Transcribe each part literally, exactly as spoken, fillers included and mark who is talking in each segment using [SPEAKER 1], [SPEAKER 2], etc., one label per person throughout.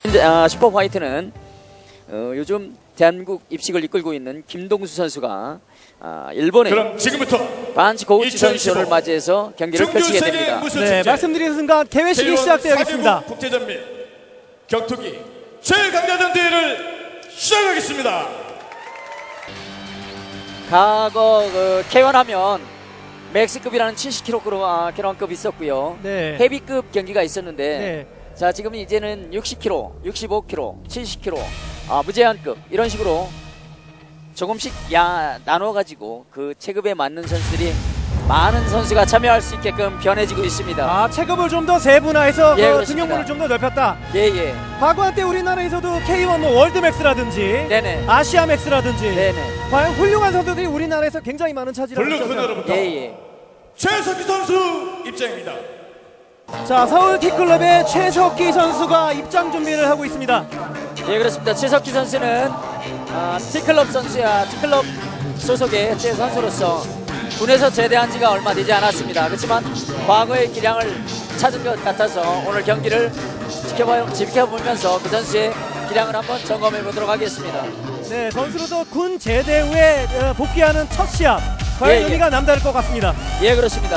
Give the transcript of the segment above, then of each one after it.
[SPEAKER 1] 아, 슈퍼 화이트는 어, 요즘 대한민국 입식을 이끌고 있는 김동수 선수가 아, 일본의
[SPEAKER 2] 그럼 지금부터
[SPEAKER 1] 반치 고우치 선수를 맞이해서 경기를 펼치게 됩니다.
[SPEAKER 2] 네,
[SPEAKER 3] 말씀드리는 순간 개회식이 시작되겠습니다.
[SPEAKER 2] 국제전 및 격투기 최강자전 대회를 시작하겠습니다.
[SPEAKER 1] 과거 그 케이원하면 맥스급이라는 칠십 킬로그램급 있었고요.
[SPEAKER 3] 네.
[SPEAKER 1] 헤비급 경기가 있었는데
[SPEAKER 3] 네.
[SPEAKER 1] 자 지금 이제는 육십 킬로그램, 육십오 킬로그램, 칠십 킬로그램 아, 무제한급 이런 식으로 조금씩 야 나눠 가지고 그 체급에 맞는 선수들이 많은 선수가 참여할 수 있게끔 변해지고 있습니다.
[SPEAKER 3] 아, 체급을 좀 더 세분화해서
[SPEAKER 1] 예,
[SPEAKER 3] 그
[SPEAKER 1] 그렇습니다.
[SPEAKER 3] 등용문을 좀 더 넓혔다.
[SPEAKER 1] 예예.
[SPEAKER 3] 과거 한때 우리나라에서도 케이원 뭐 월드맥스라든지
[SPEAKER 1] 네네.
[SPEAKER 3] 아시아맥스라든지
[SPEAKER 1] 네네.
[SPEAKER 3] 과연 훌륭한 선수들이 우리나라에서 굉장히 많은 차지를
[SPEAKER 2] 블루
[SPEAKER 3] 하고 있어요.
[SPEAKER 2] 코너로부터
[SPEAKER 1] 예예.
[SPEAKER 2] 최석기 선수 입장입니다.
[SPEAKER 3] 자, 서울 T클럽의 최석기 선수가 입장 준비를 하고 있습니다.
[SPEAKER 1] 예 그렇습니다. 최석기 선수는 아, T클럽 선수야 T클럽 소속의 제 선수로서 군에서 제대한 지가 얼마 되지 않았습니다. 그렇지만 과거의 기량을 찾은 것 같아서 오늘 경기를 지켜봐, 지켜보면서 그 선수의 기량을 한번 점검해 보도록 하겠습니다.
[SPEAKER 3] 네, 선수로서 군 제대 후에 어, 복귀하는 첫 시합. 과연
[SPEAKER 1] 예, 예.
[SPEAKER 3] 의미가 남다를 것 같습니다.
[SPEAKER 1] 예 그렇습니다.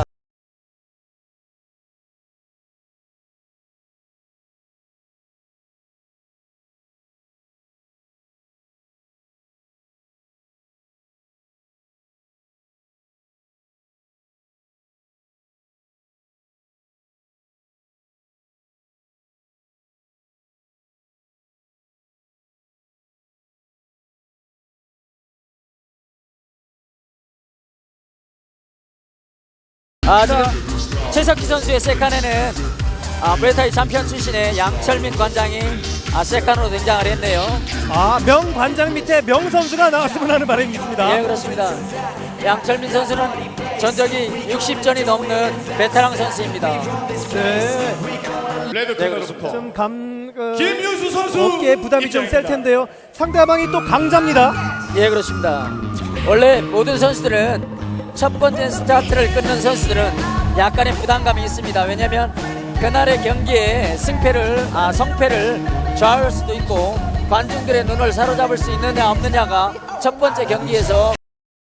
[SPEAKER 1] 아 지금 최석희 선수의 세칸에는 아, 무에타이 챔피언 출신의 양철민 관장이 아, 세칸으로 등장을 했네요.
[SPEAKER 3] 아, 명 관장 밑에 명 선수가 나왔으면 하는 바람이 있습니다.
[SPEAKER 1] 예 그렇습니다. 양철민 선수는 전적이 육십 전이 넘는 베테랑 선수입니다.
[SPEAKER 3] 네,
[SPEAKER 2] 레드
[SPEAKER 1] 네,
[SPEAKER 2] 코너로부터
[SPEAKER 3] 좀 감, 어,
[SPEAKER 2] 김윤수 선수
[SPEAKER 3] 어깨에 부담이 좀 셀
[SPEAKER 2] 입장입니다.
[SPEAKER 3] 텐데요. 상대방이 또 강자입니다.
[SPEAKER 1] 예 그렇습니다. 원래 모든 선수들은 첫 번째 스타트를 끊는 선수들은 약간의 부담감이 있습니다. 왜냐하면 그날의 경기에 승패를 아 성패를 좌우할 수도 있고 관중들의 눈을 사로잡을 수 있느냐 없느냐가 첫 번째 경기에서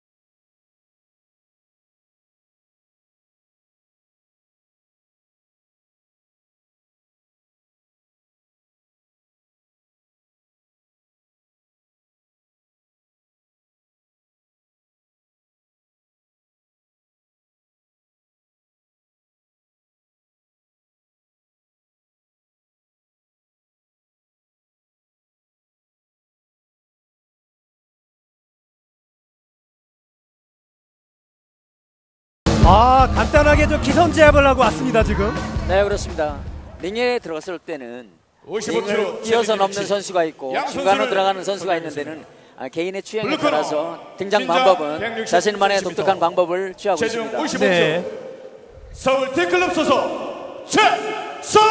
[SPEAKER 3] 아, 간단하게 저 기선 제압을 하고 왔습니다 지금.
[SPEAKER 1] 네 그렇습니다. 링에 들어갔을 때는
[SPEAKER 2] 오십오
[SPEAKER 1] 링을
[SPEAKER 2] 킬로그램
[SPEAKER 1] 뛰어서
[SPEAKER 2] 체중
[SPEAKER 1] 넘는
[SPEAKER 2] 위치.
[SPEAKER 1] 선수가 있고
[SPEAKER 2] 양
[SPEAKER 1] 중간으로
[SPEAKER 2] 선수를
[SPEAKER 1] 들어가는 선수가
[SPEAKER 2] 선정했습니다.
[SPEAKER 1] 있는 데는 아, 개인의 취향에
[SPEAKER 2] 블루 코너,
[SPEAKER 1] 따라서 등장
[SPEAKER 2] 신장
[SPEAKER 1] 방법은
[SPEAKER 2] 백육십
[SPEAKER 1] 자신만의
[SPEAKER 2] 센티미터.
[SPEAKER 1] 독특한 방법을 취하고
[SPEAKER 2] 체중
[SPEAKER 1] 있습니다.
[SPEAKER 2] 오십오 킬로그램
[SPEAKER 3] 네.
[SPEAKER 2] 서울 T클럽 소속 최석기.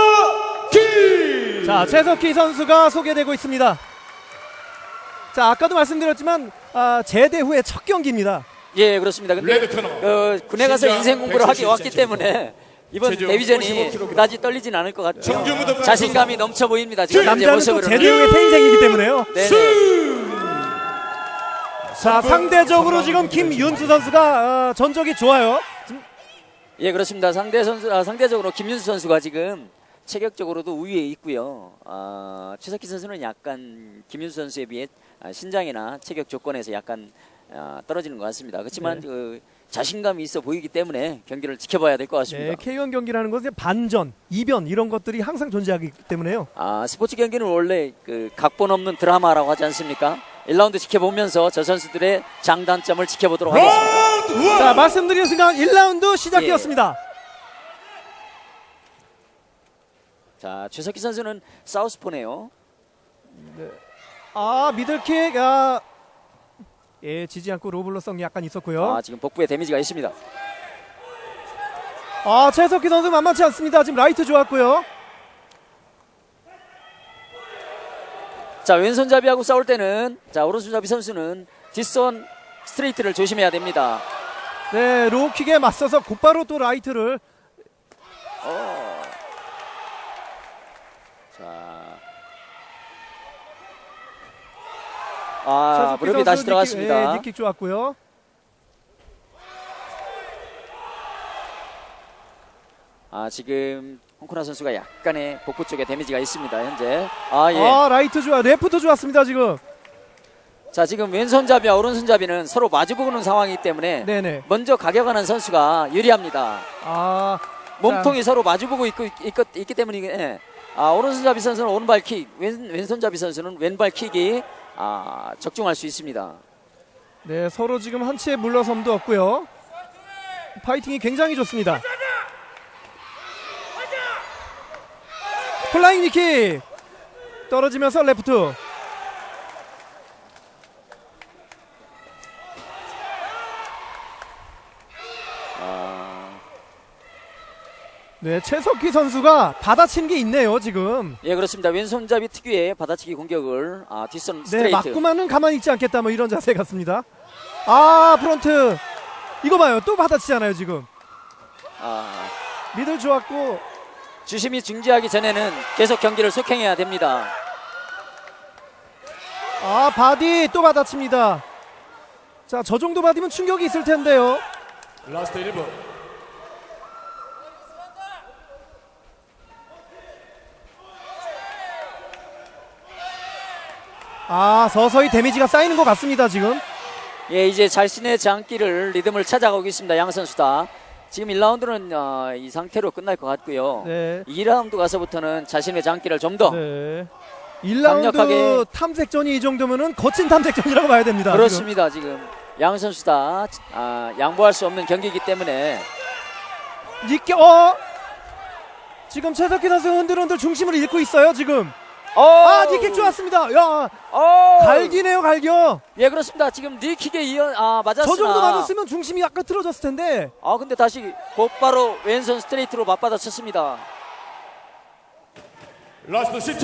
[SPEAKER 3] 자, 최석희 선수가 소개되고 있습니다. 자, 아까도 말씀드렸지만 아, 제대 후의 첫 경기입니다.
[SPEAKER 1] 예 그렇습니다. 근데
[SPEAKER 2] 레드 코너
[SPEAKER 1] 그 군에 가서
[SPEAKER 2] 신장
[SPEAKER 1] 인생 공부를 하기
[SPEAKER 2] 백칠십
[SPEAKER 1] 왔기
[SPEAKER 2] 센티미터.
[SPEAKER 1] 때문에 이번
[SPEAKER 2] 체중
[SPEAKER 1] 데뷔전이
[SPEAKER 2] 오십오 킬로그램.
[SPEAKER 1] 그다지 떨리진 않을 것 같아요.
[SPEAKER 2] 청주무덤
[SPEAKER 1] 자신감이 넘쳐 보입니다. 지금 현재
[SPEAKER 3] 남자는 또
[SPEAKER 1] 모습으로는.
[SPEAKER 3] 제대 후의 새 인생이기 때문에요.
[SPEAKER 1] 네네.
[SPEAKER 3] 자, 상대적으로 지금 김윤수 선수가 어, 전적이 좋아요. 지금
[SPEAKER 1] 예 그렇습니다. 상대 선수 아, 상대적으로 김윤수 선수가 지금 체격적으로도 우위에 있고요. 아, 최석희 선수는 약간 김윤수 선수에 비해 아, 신장이나 체격 조건에서 약간 아, 떨어지는 것 같습니다. 그렇지만
[SPEAKER 3] 네.
[SPEAKER 1] 그 자신감이 있어 보이기 때문에 경기를 지켜봐야 될 것 같습니다.
[SPEAKER 3] 네, 케이원 경기라는 것은 반전, 이변 이런 것들이 항상 존재하기 때문에요.
[SPEAKER 1] 아 스포츠 경기는 원래 그 각본 없는 드라마라고 하지 않습니까? 일 라운드 지켜보면서 저 선수들의 장단점을 지켜보도록 하겠습니다.
[SPEAKER 2] 라운드 원.
[SPEAKER 3] 자, 말씀드린 순간 일 라운드 시작되었습니다.
[SPEAKER 1] 자 최석희 선수는 사우스포네요.
[SPEAKER 3] 아, 미들킥, 아, 예, 지지 않고 로블로성이 약간 있었고요.
[SPEAKER 1] 아 지금 복부에 데미지가 있습니다.
[SPEAKER 3] 아, 최석희 선수 만만치 않습니다. 지금 라이트 좋았고요.
[SPEAKER 1] 자 왼손잡이하고 싸울 때는 자 오른손잡이 선수는 뒷손 스트레이트를 조심해야 됩니다.
[SPEAKER 3] 네, 로우킥에 맞서서 곧바로 또 라이트를.
[SPEAKER 1] 어. 자 아,
[SPEAKER 3] 최석기
[SPEAKER 1] 무릎이
[SPEAKER 3] 선수
[SPEAKER 1] 다시
[SPEAKER 3] 니킥,
[SPEAKER 1] 들어갔습니다.
[SPEAKER 3] 예, 니킥 좋았고요.
[SPEAKER 1] 아, 지금 홍코나 선수가 약간의 복부 쪽에 데미지가 있습니다. 현재. 아, 예.
[SPEAKER 3] 아, 라이트 좋아, 레프트 좋았습니다 지금.
[SPEAKER 1] 자, 지금 왼손잡이와 오른손잡이는 서로 마주보는 상황이기 때문에
[SPEAKER 3] 네네.
[SPEAKER 1] 먼저 가격하는 선수가 유리합니다.
[SPEAKER 3] 아,
[SPEAKER 1] 몸통이 서로 마주보고 있고 있, 있, 있기 때문에 아, 오른손잡이 선수는 오른발킥, 왼, 왼손잡이 선수는 왼발킥이 아, 적중할 수 있습니다.
[SPEAKER 3] 네, 서로 지금 한치의 물러섬도 없고요. 파이팅이 굉장히 좋습니다. 플라잉 니킥 떨어지면서 레프트. 네, 최석희 선수가 받아친 게 있네요 지금.
[SPEAKER 1] 예, 그렇습니다. 왼손잡이 특유의 받아치기 공격을 아, 뒷선
[SPEAKER 3] 네,
[SPEAKER 1] 스트레이트.
[SPEAKER 3] 맞고만은 가만히 있지 않겠다 뭐 이런 자세 같습니다. 아, 프론트 이거 봐요, 또 받아치잖아요 지금.
[SPEAKER 1] 아,
[SPEAKER 3] 미들 좋았고.
[SPEAKER 1] 주심이 중지하기 전에는 계속 경기를 속행해야 됩니다.
[SPEAKER 3] 아, 바디 또 받아칩니다. 자, 저 정도 받으면 충격이 있을 텐데요.
[SPEAKER 2] 라스트 일 분.
[SPEAKER 3] 아, 서서히 데미지가 쌓이는 것 같습니다 지금.
[SPEAKER 1] 예, 이제 자신의 장기를 리듬을 찾아가고 있습니다. 양 선수 다. 지금 일 라운드는 어, 이 상태로 끝날 것 같고요.
[SPEAKER 3] 네.
[SPEAKER 1] 이 라운드 가서부터는 자신의 장기를 좀 더
[SPEAKER 3] 네. 일 라운드
[SPEAKER 1] 강력하게-
[SPEAKER 3] 탐색전이 이 정도면은 거친 탐색전이라고 봐야 됩니다.
[SPEAKER 1] 그렇습니다. 지금 양 선수 다 아, 양보할 수 없는 경기이기 때문에
[SPEAKER 3] 지금. 니께 어. 지금 최석희 선수 흔들흔들 중심을 잃고 있어요 지금. 아, 니킥 좋았습니다. 야,
[SPEAKER 1] 어!
[SPEAKER 3] 갈기네요 갈겨.
[SPEAKER 1] 예, 그렇습니다. 지금 니킥에 이어 아, 맞았으나
[SPEAKER 3] 저 정도 맞았으면 중심이 약간 틀어졌을 텐데.
[SPEAKER 1] 아, 근데 다시 곧바로 왼손 스트레이트로 맞받아 쳤습니다.
[SPEAKER 2] 라스트 십 초.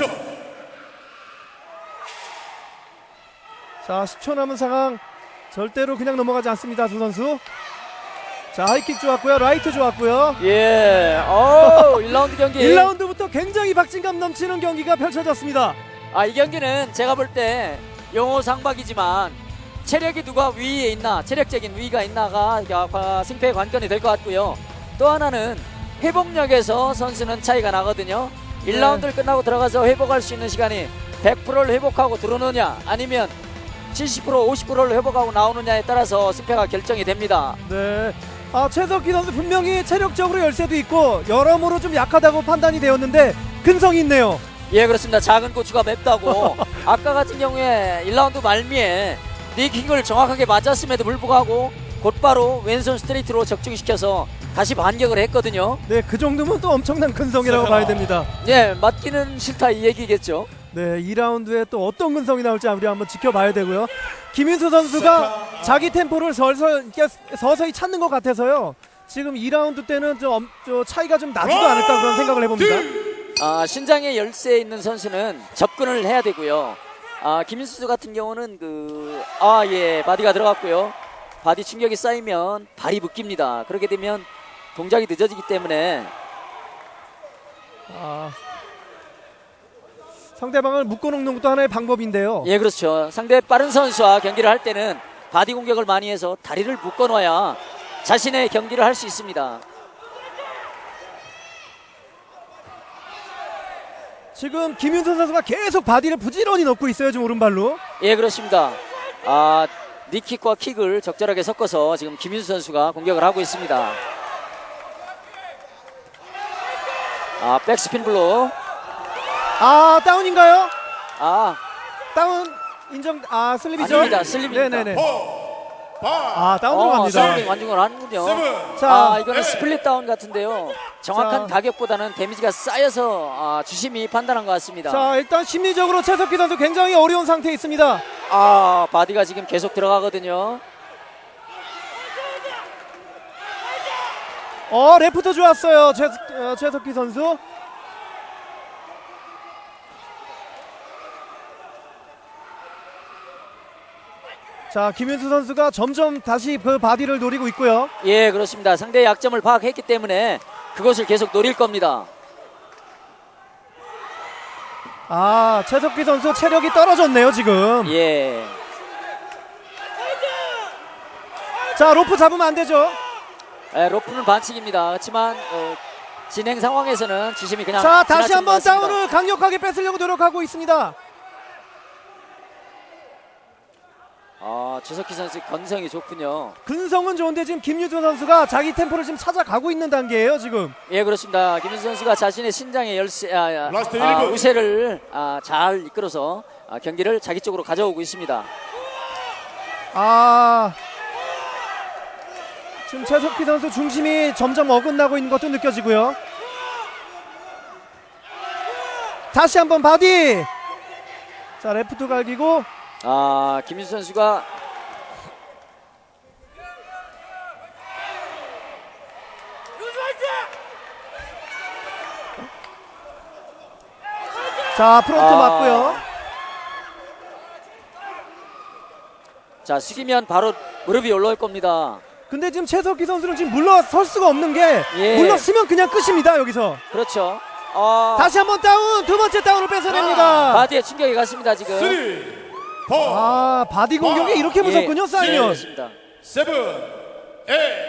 [SPEAKER 3] 자, 십 초 남은 상황. 절대로 그냥 넘어가지 않습니다 두 선수. 자, 하이킥 좋았고요, 라이트 좋았고요.
[SPEAKER 1] 예. 어, 일 라운드 경기.
[SPEAKER 3] 일 라운드부터 굉장히 박진감 넘치는 경기가 펼쳐졌습니다.
[SPEAKER 1] 아, 이 경기는 제가 볼 때 영호 상박이지만 체력이 누가 위에 있나, 체력적인 위가 있나가 아, 승패의 관건이 될 것 같고요. 또 하나는 회복력에서 선수는 차이가 나거든요.
[SPEAKER 3] 네.
[SPEAKER 1] 일 라운드를 끝나고 들어가서 회복할 수 있는 시간이 백 퍼센트를 회복하고 들어오느냐, 아니면 칠십 퍼센트, 오십 퍼센트를 회복하고 나오느냐에 따라서 승패가 결정이 됩니다.
[SPEAKER 3] 네. 아, 최석희 선수 분명히 체력적으로 열세도 있고 여러모로 좀 약하다고 판단이 되었는데 근성이 있네요.
[SPEAKER 1] 예, 그렇습니다. 작은 고추가 맵다고. 아까 같은 경우에 일 라운드 말미에 니킥을 정확하게 맞았음에도 불구하고 곧바로 왼손 스트레이트로 적중시켜서 다시 반격을 했거든요.
[SPEAKER 3] 네, 그 정도면 또 엄청난 근성이라고 봐야 됩니다.
[SPEAKER 1] 예, 맞기는 싫다 이 얘기겠죠.
[SPEAKER 3] 네, 이 라운드에 또 어떤 근성이 나올지 우리 한번 지켜봐야 되고요. 김인수 선수가 자기 템포를 설설, 이렇게 서서히 찾는 것 같아서요. 지금 이 라운드 때는 좀, 엄- 좀 차이가 좀 나지도 않을까 그런 생각을 해봅니다.
[SPEAKER 1] 아, 신장에 열쇠 있는 선수는 접근을 해야 되고요. 아, 김인수 같은 경우는 그 아, 예, 바디가 들어갔고요. 바디 충격이 쌓이면 발이 묶입니다. 그렇게 되면 동작이 늦어지기 때문에
[SPEAKER 3] 아, 상대방을 묶어놓는 것도 하나의 방법인데요.
[SPEAKER 1] 예, 그렇죠. 상대 빠른 선수와 경기를 할 때는 바디 공격을 많이 해서 다리를 묶어놔야 자신의 경기를 할 수 있습니다.
[SPEAKER 3] 지금 김윤선 선수가 계속 바디를 부지런히 넣고 있어요. 지금 오른발로.
[SPEAKER 1] 예, 그렇습니다. 아, 니킥과 킥을 적절하게 섞어서 지금 김윤수 선수가 공격을 하고 있습니다. 아, 백스핀 블로.
[SPEAKER 3] 아, 다운인가요?
[SPEAKER 1] 아,
[SPEAKER 3] 다운 인정. 아, 슬립이죠?
[SPEAKER 1] 아닙니다. 슬립입니다.
[SPEAKER 3] 네네네.
[SPEAKER 2] 오, 파,
[SPEAKER 3] 아, 다운으로
[SPEAKER 1] 어,
[SPEAKER 3] 갑니다.
[SPEAKER 1] 슬립 완중을 하는군요.
[SPEAKER 2] 세븐.
[SPEAKER 3] 자,
[SPEAKER 1] 아, 이거는 스플릿 다운 같은데요. 정확한
[SPEAKER 3] 자.
[SPEAKER 1] 가격보다는 데미지가 쌓여서 아, 주심이 판단한 것 같습니다.
[SPEAKER 3] 자, 일단 심리적으로 최석희 선수 굉장히 어려운 상태에 있습니다.
[SPEAKER 1] 아, 바디가 지금 계속 들어가거든요.
[SPEAKER 3] 어, 레프트 좋았어요. 최, 어, 최석희 선수. 자, 김윤수 선수가 점점 다시 그 바디를 노리고 있고요.
[SPEAKER 1] 예, 그렇습니다. 상대의 약점을 파악했기 때문에 그것을 계속 노릴 겁니다.
[SPEAKER 3] 아, 최석희 선수 체력이 떨어졌네요, 지금.
[SPEAKER 1] 예.
[SPEAKER 3] 자, 로프 잡으면 안 되죠.
[SPEAKER 1] 예, 로프는 반칙입니다. 그렇지만 어, 진행 상황에서는 지심이 그냥
[SPEAKER 3] 자, 다시
[SPEAKER 1] 지나치는 것
[SPEAKER 3] 한번
[SPEAKER 1] 같습니다.
[SPEAKER 3] 다운을 강력하게 뺏으려고 노력하고 있습니다.
[SPEAKER 1] 아, 최석희 선수 건성이 좋군요.
[SPEAKER 3] 근성은 좋은데 지금 김유수 선수가 자기 템포를 지금 찾아가고 있는 단계예요, 지금.
[SPEAKER 1] 예, 그렇습니다. 김윤수 선수가 자신의 신장의 열세, 아, 아,
[SPEAKER 2] 라스트
[SPEAKER 1] 아,
[SPEAKER 2] 일 분.
[SPEAKER 1] 우세를 아, 잘 이끌어서 아, 경기를 자기 쪽으로 가져오고 있습니다.
[SPEAKER 3] 아, 지금 최석희 선수 중심이 점점 어긋나고 있는 것도 느껴지고요. 다시 한번 바디. 자, 레프트 갈기고.
[SPEAKER 1] 아, 김윤수 선수가
[SPEAKER 3] 자, 프론트
[SPEAKER 1] 아.
[SPEAKER 3] 맞고요.
[SPEAKER 1] 자, 숙이면 바로 무릎이 올라올 겁니다.
[SPEAKER 3] 근데 지금 최석희 선수는 지금 물러설 수가 없는 게
[SPEAKER 1] 예.
[SPEAKER 3] 물러서면 그냥 끝입니다, 여기서.
[SPEAKER 1] 그렇죠. 아,
[SPEAKER 3] 다시 한번 다운, 두 번째 다운을 뺏어냅니다.
[SPEAKER 1] 바디에 충격이 갔습니다, 지금.
[SPEAKER 2] 쓰리, 포,
[SPEAKER 3] 아, 바디 공격이 이렇게 무섭군요,
[SPEAKER 1] 예,
[SPEAKER 3] 사이먼.
[SPEAKER 1] 그렇습니다.
[SPEAKER 2] 세븐, 에잇.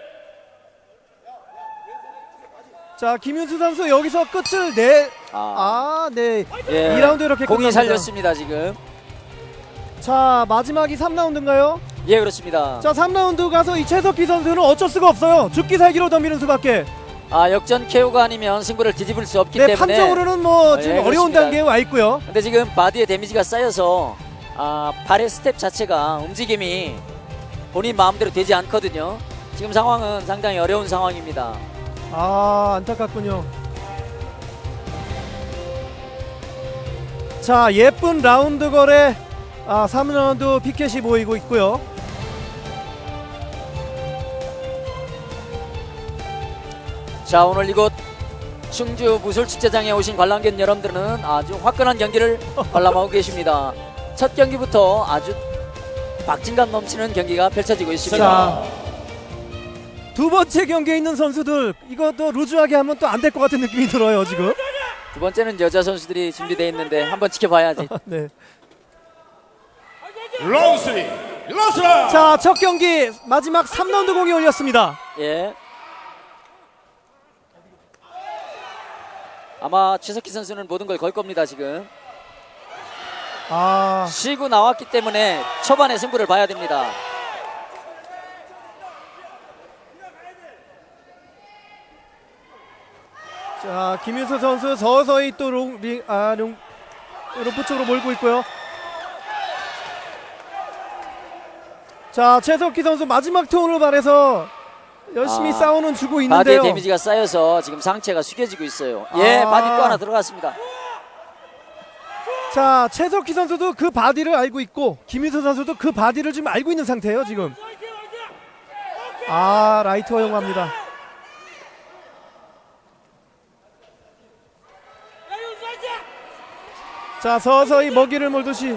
[SPEAKER 3] 자, 김윤수 선수 여기서 끝을 내.
[SPEAKER 1] 아,
[SPEAKER 3] 아, 네.
[SPEAKER 1] 예.
[SPEAKER 3] 이 라운드 이렇게
[SPEAKER 1] 공이
[SPEAKER 3] 끝납니다.
[SPEAKER 1] 살렸습니다, 지금.
[SPEAKER 3] 자, 마지막이 삼 라운드인가요?
[SPEAKER 1] 예, 그렇습니다.
[SPEAKER 3] 자, 삼 라운드 가서 이 최석희 선수는 어쩔 수가 없어요. 죽기 살기로 덤비는 수밖에.
[SPEAKER 1] 아, 역전 케오가 아니면 승부를 뒤집을 수 없기
[SPEAKER 3] 네,
[SPEAKER 1] 때문에.
[SPEAKER 3] 판정으로는 뭐
[SPEAKER 1] 아,
[SPEAKER 3] 지금
[SPEAKER 1] 예,
[SPEAKER 3] 어려운
[SPEAKER 1] 그렇습니다.
[SPEAKER 3] 단계에 와 있고요.
[SPEAKER 1] 근데 지금 바디에 데미지가 쌓여서 아, 발의 스텝 자체가 움직임이 본인 마음대로 되지 않거든요. 지금 상황은 상당히 어려운 상황입니다.
[SPEAKER 3] 아, 안타깝군요. 자, 예쁜 라운드 거래. 아, 삼 라운드 피켓이 보이고 있고요.
[SPEAKER 1] 자, 오늘 이곳 충주 무술축제장에 오신 관람객 여러분들은 아주 화끈한 경기를 관람하고 계십니다. 첫 경기부터 아주 박진감 넘치는 경기가 펼쳐지고 있습니다.
[SPEAKER 3] 자, 두 번째 경기에 있는 선수들 이것도 루즈하게 하면 또 안 될 것 같은 느낌이 들어요, 지금.
[SPEAKER 1] 두 번째는 여자 선수들이 준비되어 있는데 한번 지켜봐야지.
[SPEAKER 3] 네.
[SPEAKER 2] 라운드 쓰리, 라스트 라운드.
[SPEAKER 3] 자, 첫 경기 마지막 삼 라운드 공이 올렸습니다.
[SPEAKER 1] 예. 아마 최석희 선수는 모든 걸 걸 겁니다, 지금.
[SPEAKER 3] 아,
[SPEAKER 1] 쉬고 나왔기 때문에 초반에 승부를 봐야 됩니다.
[SPEAKER 3] 자, 김윤수 선수 서서히 또 롱, 링, 아, 롱, 로프 쪽으로 몰고 있고요. 자, 최석희 선수 마지막 톤을 발해서 열심히
[SPEAKER 1] 아,
[SPEAKER 3] 싸우는 주고
[SPEAKER 1] 바디에
[SPEAKER 3] 있는데요.
[SPEAKER 1] 데미지가 쌓여서 지금 상체가 숙여지고 있어요. 예,
[SPEAKER 3] 아.
[SPEAKER 1] 바디 또 하나 들어갔습니다.
[SPEAKER 3] 자, 최석희 선수도 그 바디를 알고 있고 김윤수 선수도 그 바디를 지금 알고 있는 상태예요, 지금. 아, 라이트 허용합니다. 자, 서서히 먹이를 몰듯이.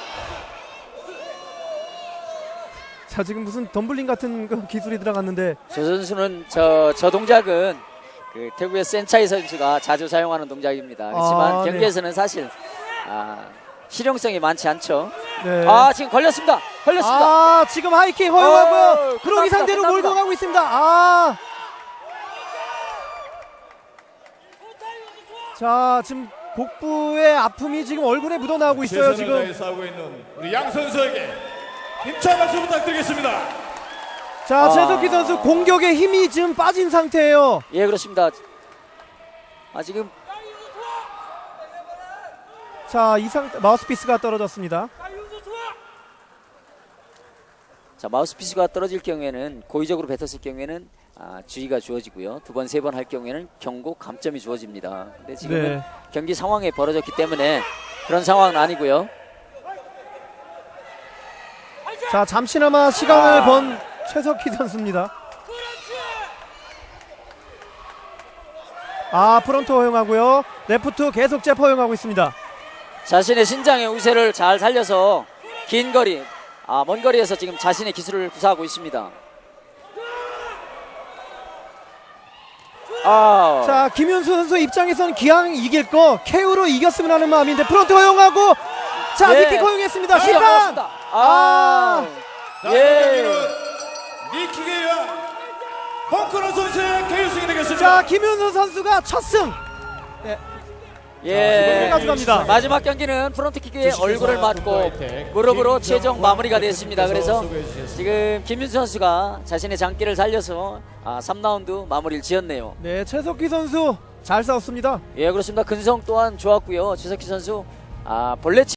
[SPEAKER 3] 자, 지금 무슨 덤블링 같은 그 기술이 들어갔는데.
[SPEAKER 1] 저 선수는 저, 저 동작은 그 태국의 센차이 선수가 자주 사용하는 동작입니다. 그렇지만
[SPEAKER 3] 아, 네.
[SPEAKER 1] 경기에서는 사실 아, 실용성이 많지 않죠.
[SPEAKER 3] 네.
[SPEAKER 1] 아, 지금 걸렸습니다. 걸렸습니다.
[SPEAKER 3] 아, 지금 하이킥 허용하고요.
[SPEAKER 1] 어,
[SPEAKER 3] 그러기
[SPEAKER 1] 끝납니다,
[SPEAKER 3] 상대로
[SPEAKER 1] 끝납니다.
[SPEAKER 3] 몰고 가고 있습니다. 아. 자, 지금 복부의 아픔이 지금 얼굴에 묻어나오고 있어요,
[SPEAKER 2] 최선을
[SPEAKER 3] 지금.
[SPEAKER 2] 다해 싸우고 있는 우리 양 선수에게 힘찬 박수 부탁드리겠습니다.
[SPEAKER 3] 자,
[SPEAKER 1] 아.
[SPEAKER 3] 최석희 선수 공격에 힘이 지금 빠진 상태예요.
[SPEAKER 1] 예, 그렇습니다. 아, 지금
[SPEAKER 3] 자, 이 상태 마우스피스가 떨어졌습니다.
[SPEAKER 1] 자, 마우스피스가 떨어질 경우에는 고의적으로 뱉었을 경우에는 아, 주의가 주어지고요. 두 번, 세 번 할 경우에는 경고, 감점이 주어집니다. 근데 지금은
[SPEAKER 3] 네.
[SPEAKER 1] 경기 상황에 벌어졌기 때문에 그런 상황은 아니고요.
[SPEAKER 3] 자, 잠시나마 시간을
[SPEAKER 1] 아.
[SPEAKER 3] 번 최석희 선수입니다. 아, 프론트 허용하고요. 레프트 계속 잽 허용하고 있습니다.
[SPEAKER 1] 자신의 신장의 우세를 잘 살려서 긴 거리, 아, 먼 거리에서 지금 자신의 기술을 구사하고 있습니다. 아,
[SPEAKER 3] 자, 김윤수 선수 입장에서는 기왕 이길 거 케이오로 이겼으면 하는 마음인데 프론트 허용하고 자,
[SPEAKER 1] 예.
[SPEAKER 3] 니킥 허용했습니다.
[SPEAKER 1] 아,
[SPEAKER 3] 심판.
[SPEAKER 1] 맞습니다. 아,
[SPEAKER 2] 자,
[SPEAKER 1] 예.
[SPEAKER 2] 경기는 니킥에 의한 홍크런 선수의 케이오승이 되겠습니다.
[SPEAKER 3] 자, 김윤수 선수가 첫 승. 네,
[SPEAKER 1] 예.
[SPEAKER 3] 가져갑니다.
[SPEAKER 1] 마지막 경기는 프론트킥에 얼굴을 맞고 무릎으로 최종 마무리가 됐습니다. 그래서 지금 김윤수 선수가 자신의 장기를 살려서 아, 삼 라운드 마무리를 지었네요.
[SPEAKER 3] 네, 최석기 선수 잘 싸웠습니다.
[SPEAKER 1] 예, 그렇습니다. 근성 또한 좋았고요. 최석희 선수 아, 본래